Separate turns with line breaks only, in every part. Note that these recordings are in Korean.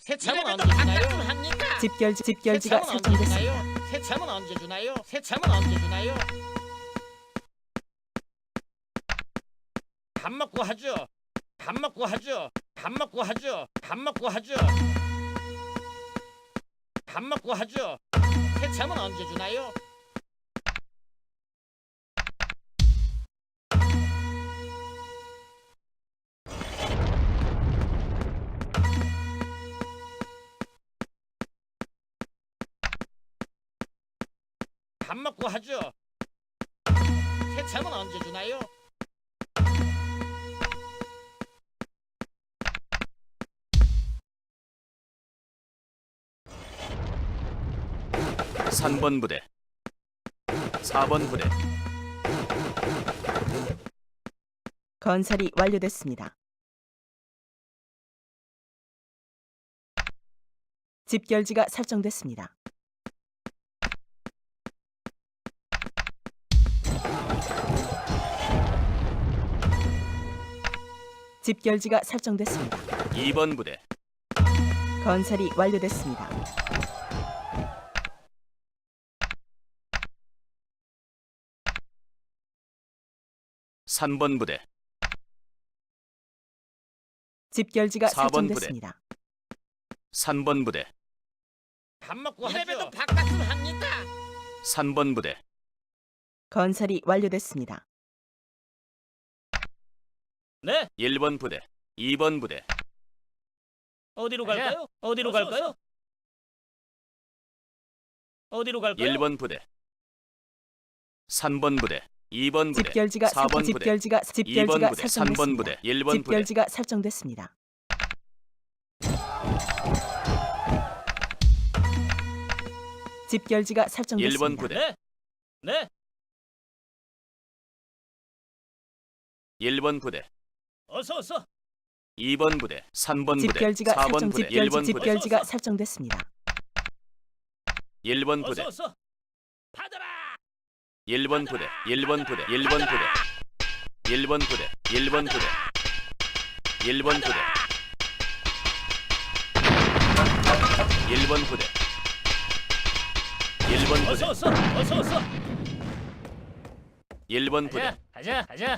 세참은 언제 주나요?
집결지가 설정됐습니다.
세참은 언제 주나요? 세참은 언제 주나요? 밥 먹고 하죠. 밥 먹고 하죠. 밥 먹고 하죠. 밥 먹고 하죠. 밥 먹고 하죠. 세참은 언제 주나요? 밥 먹고 하죠. 세참은 언제 주나요?
삼 번 부대 4번 부대
건설이 완료됐습니다. 집결지가 설정됐습니다. 집결지가 설정됐습니다.
2번 부대
건설이 완료됐습니다.
삼 번 부대
집결지가
4번 부대.
설정됐습니다.
3번 부대
밥 먹고 하죠. 이래봬도 밥값은 합니다.
3번 부대
건설이 완료됐습니다.
네.
1번 부대 2번 부대
어디로 갈까요? 어디로 갈까요? 어디로 갈까요?
1번 부대 3번 부대 2번 부대
집결지가
4번 부대
2번
부대 3번 부대 1번 부대
집결지가 설정됐습니다. 집결지가
1번
설정됐습니다.
부대
네. 네.
1번 부대
어서.
2번 부대 3번 부대
집결지가
4번 부대 1번 부대
집결지가 설정됐습니다.
1번 부대
어서. 받아라.
1번 부대 1번 부대 1번 부대 1번 부대 1번 부대 1번 부대 1번 부대 1번 부대
어서.
1번 부대
가자.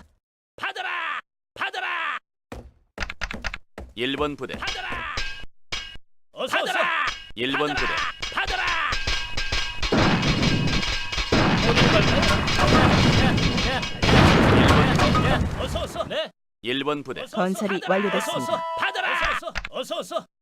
받아라.
1번 부대
받아라. 어서.
1번 부대
받아라. 어디로 갈까요? 어서. 네.
1번 부대
건설이 완료됐습니다.
받아라. 어서.